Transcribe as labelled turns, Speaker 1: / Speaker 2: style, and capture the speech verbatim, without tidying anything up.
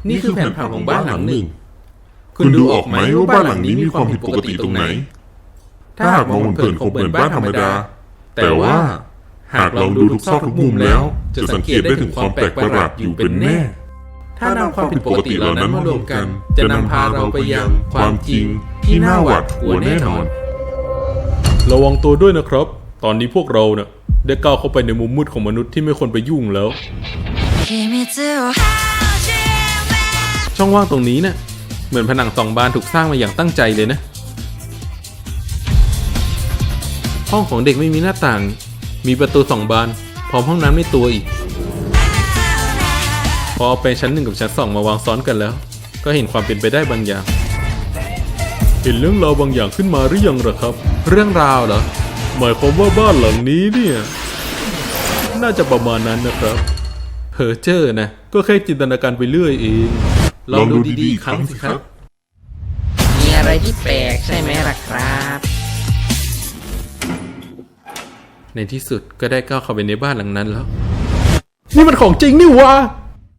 Speaker 1: นี่คือแผนผังของบ้านหลังหนึ่ง
Speaker 2: คุณดูออกไหมว่าบ้านหลังนี้มีความผิดปกติตรงไหนถ้าหากมองเผินๆคงเหมือนบ้านธรรมดาแต่ว่าหากลองดูทุกซอกทุกมุมแล้วจะสังเกตได้ถึงความแปลกประหลาดอยู่เป็นแน่
Speaker 1: ถ้านำความผิดปกติเหล่านั้นมารวมกันจะนำพาเราไปยังความจริงที่น่าหวาดกลัวแน่นอน
Speaker 3: ระวังตัวด้วยนะครับตอนนี้พวกเราเนี่ยได้ก้าวเข้าไปในมุมมืดของมนุษย์ที่ไม่ควรไปยุ่งแล้วช่องว่างตรงนี้เนี่ยเหมือนผนังสองบานถูกสร้างมาอย่างตั้งใจเลยนะห้องของเด็กไม่มีหน้าต่างมีประตูสองบานพร้อมห้องน้ำในตัวอีกพอเอาไปชั้นหนึ่งกับชั้นสองมาวางซ้อนกันแล้วก็เห็นความเป็นไปได้บางอย่างเห็นเรื่องราวบางอย่างขึ้นมาหรือยังหรอครับเรื่องราวเหรอหมายความว่าบ้านหลังนี้เนี่ยน่าจะประมาณนั้นนะครับเพอเจอร์นะก็แค่จินตนาการไปเรื่อยเองลองดูดีๆอีกครั้งสิครับ
Speaker 1: มีอะไรที่แปลกใช่ไหมล่ะครับ
Speaker 3: ในที่สุดก็ได้ก้าวเข้าไปในบ้านหลังนั้นแล้วนี่มันของจริงนี่วะ